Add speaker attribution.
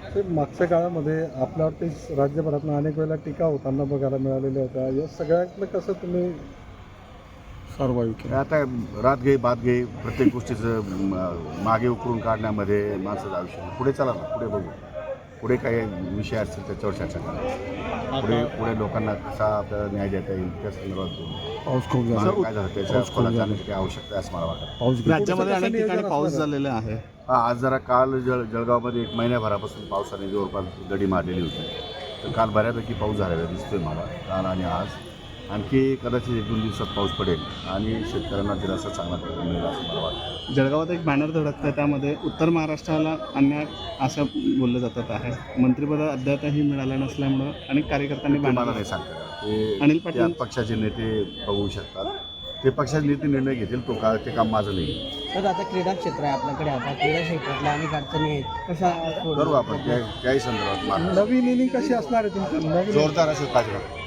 Speaker 1: ते मागच्या काळामध्ये आपल्यावरती राज्यभरातून अनेक वेळेला टीका होताना बघायला मिळालेल्या होत्या. या सगळ्यातलं कसं तुम्ही सर्वाईव्ह केलं?
Speaker 2: आता रात गई बात गई प्रत्येक गोष्टीचं मागे उकरून काढण्यामध्ये माणसाचं आयुष्य पुढे चला ना, पुढे बघू. पुढे काही विषय असतील त्याच्यावर चर्चा करा. पुढे लोकांना कसा आपल्याला न्याय देता येईल त्या संदर्भात बोलू.
Speaker 1: पाऊस खूप झाला.
Speaker 2: मागे काय झालं त्याच्या खोलात जाण्याची काही आवश्यकता आहे असं मला वाटतं.
Speaker 1: पाऊस
Speaker 3: राज्यामध्ये अनेक ठिकाणी पाऊस झालेला आहे.
Speaker 2: आज जरा काल जळगावमध्ये 1 महिन्याभरापासून पावसाने जवळपास दडी मारलेली होती. तर काल बऱ्यापैकी पाऊस झालेला दिसतोय मला, काल आणि आज. आणखी कदाचित 1-2 दिवसात पाऊस पडेल आणि शेतकऱ्यांना दिलासा चांगला मिळेल असं मला वाटतं.
Speaker 3: जळगावात एक बॅनर धडकतं, त्यामध्ये उत्तर महाराष्ट्राला अन्याय असं बोललं जातात आहे. मंत्रिपद अद्यापही मिळालं नसल्यामुळं अनेक कार्यकर्त्यांनी
Speaker 2: ते मला
Speaker 3: बॅनर
Speaker 2: नाही सांगता ते
Speaker 3: अनिल पाटील-
Speaker 2: त्या पक्षाचे नेते बघू शकतात. ते पक्षाचे नेते निर्णय घेतील. ते काम माझं नाही.
Speaker 4: तर आता क्रीडा क्षेत्र आहे आपल्याकडे, आता क्रीडा क्षेत्रातल्या अनेक अडचणी आहेत, कशा
Speaker 2: करू आपण त्याही संदर्भात
Speaker 1: नवीन इनिंग कशी असणार आहे तुमची? नवीन
Speaker 2: जोरदार असेल पाहिजे.